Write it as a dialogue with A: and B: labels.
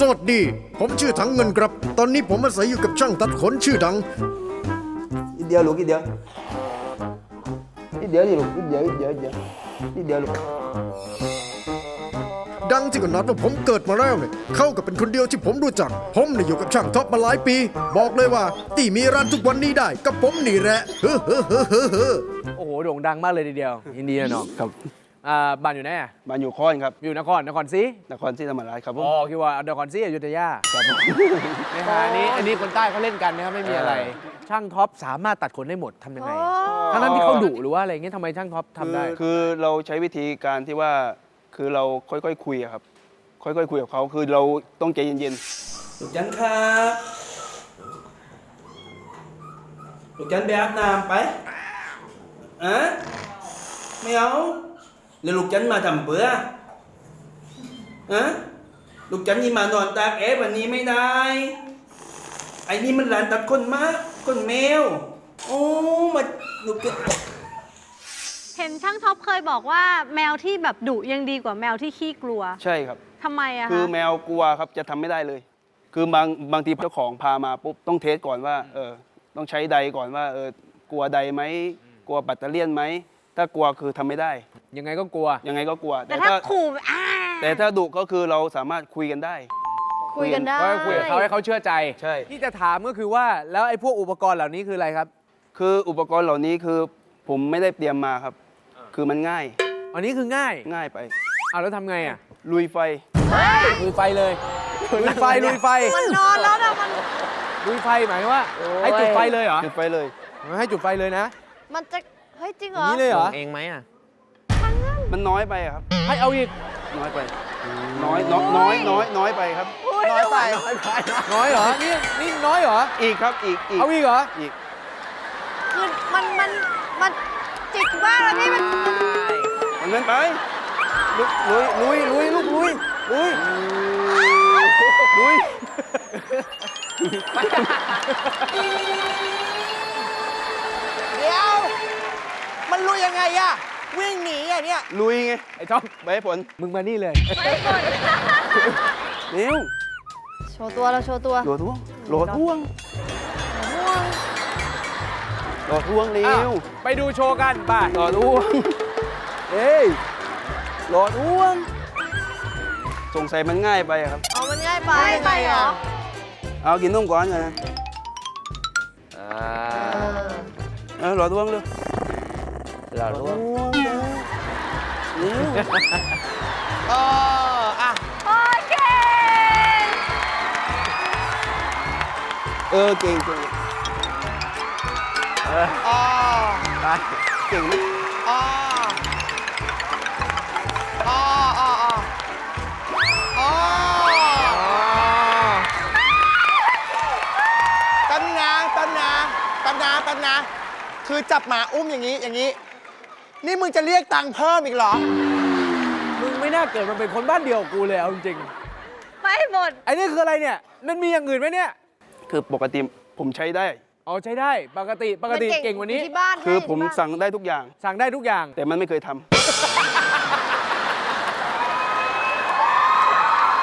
A: สวัสดีผมชื่อถังเงินครับตอนนี้ผมอาศัยอยู่กับช่างตัดขนชื่อดัง
B: นิดเดียวลูกนิดเดียวนิดเดียวดิลูกนิดเดียวนิดเดียวนิดเดียวนิดเดียวลูก
A: ดังที่ก็นัดว่าผมเกิดมาแล้วเนี่ยเขาก็เป็นคนเดียวที่ผมรู้จักผมเนี่ยอยู่กับช่างท็อปมาหลายปี บอกเลยว่าที่มีร้านทุกวันนี้ได้ก็ผมนี่แหละเฮ้อ
C: โอ้โหโด่งดังมากเลยทีเดียวยินดีนะน้อง
B: ครับ
C: บ้านอยู่ไหนอะ
B: บ้านอยู่ค้อนครับ
C: อยู่นครศรี
B: นครศรีธรรมราชครับผม
C: อ๋อคิดว่านครศรีอยุธยา
B: ครับผม
C: นะฮะอันนี้คนใต้เขาเล่นกันนะครับไม่มีอะไร ช่างท็อปสามารถตัดขนได้หมดทำยังไงทั้งที่เขาดุหรือว่าอะไรเงี้ยทำไมช่างท็อปทำได้
B: คือเราใช้วิธีการที่ว่าคือเราค่อยๆคุยอะครับค่อยๆคุยกับเขาคือเราต้องใจเย็นๆลูกจันครับลูกจันไปอาบน้ำไปอะไม่เอาแล้วลูกจันมาทำเบื่ออะลูกจันนี่มานอนตากแอร์วันนี้ไม่ได้ไอ้นี่มันหลานตัดคนมากคนแมวโอ้มาลูกจัน
D: เห็นช่างท็อปเคยบอกว่าแมวที่แบบดุยังดีกว่าแมวที่ขี้กลัว
B: ใช่ครับ
D: ทำไมอะ
B: คือ
D: คะ
B: แมวกลัวครับจะทำไม่ได้เลย คือบางทีเจ้าของพามาปุ๊บต้องเทสก่อนว่าต้องใช้ไดก่อนว่ากลัวไดไหมกลัวแบตเตอรี่ไหมถ้ากลัวคือทำไม่ได้
C: ยังไงก็กลัว
B: ยังไงก็กลัว
D: แต่ถ้าขู่
B: แต่ถ้าดุก็คือเราสามารถคุยกันได้
D: คุยกันได้
C: ก็คุยกับเขาให้เขาเชื่อใจ
B: ใช่
C: ที่จะถามก็คือว่าแล้วไอ้พวกอุปกรณ์เหล่านี้คืออะไรครับ
B: คืออุปกรณ์เหล่านี้คือผมไม่ได้เตรียมมาครับ คือมันง่าย
C: อันนี้คือง่าย
B: ง่ายไป
C: เอาแล้วทำไงอ่ะ
B: ลุยไฟ
C: ลุยไฟเลยลุยไฟ
D: มันนอนแล้วนะมัน
C: ลุยไฟหมายว่า ให้จุดไฟเลยเหรอ
B: จุดไฟเลย
C: ให้จุดไฟเลยนะ
D: มันจะเฮ้ยจริงเห
C: อ
D: ร
C: ย่า
D: อง
C: นี้เลยเหรอ
E: เองไหมอ่ะ
B: มันน้อยไปอะครับ
C: ให้เอาอีก
B: น้อยไปน้อยไปครับ
D: น้อยไป
C: น้อยเหรอนี่น้อยเหรอ
B: อีกครับอีก
C: เอาอีกเหรอ
B: อีก
D: คือมันจิกมากเลยพี่มัน
B: มันนั้นไป
C: ลุยลูกลุย
E: เดี๋ยว มันรู้ยังไงอะวิ่งหนีอะเนี่ย
B: ลุยไง
C: ไอ้ท็อป
B: ใบให้ผล
C: มึงมานี่เลย
B: เร็ว
D: โชว์ตัวเราโชว์ตัว
B: โหลดท่วงเร็
C: อ้าว
B: ว
C: ไปดูโชว์กันไป
B: โหลดท่วงเอ้ยโหลดท่วงสงสัยมันง่ายไปอะครับ
D: เอามันง่ายไปเหรอ
B: เอากินนมก่อนเลยโหลดท่วงเร็ว
E: เรารู้ว่า
B: เร็ว
E: อ่ะ
D: โอเค
B: เก่ง
E: อ๋อ
B: เก่งไหม
E: อ๋ออ๋ออ๋ออ๋อตำนาคือจับหมาอุ้มอย่างนี้ นี่มึงจะเรียกตังค์เพิ่มอีกเหรอ
C: มึงไม่น่าเกิดมาเป็นคนบ้านเดียวกับกูเลยเอาจริง
D: ไม่หมด
C: ๆไอ้นี่คืออะไรเนี่ย มันมีอย่างอื่นไหมเนี่ย
B: คือปกติผมใช้ได้
C: อ๋อใช้ได้ปกติเก่งกว่านี้
D: ที่บ้าน
B: คือ
D: ให้
B: ผม
D: ที่บ้าน
B: สั่งได้ทุกอย่าง
C: สั่งได้ทุกอย่าง
B: แต่มันไม่เคยทำ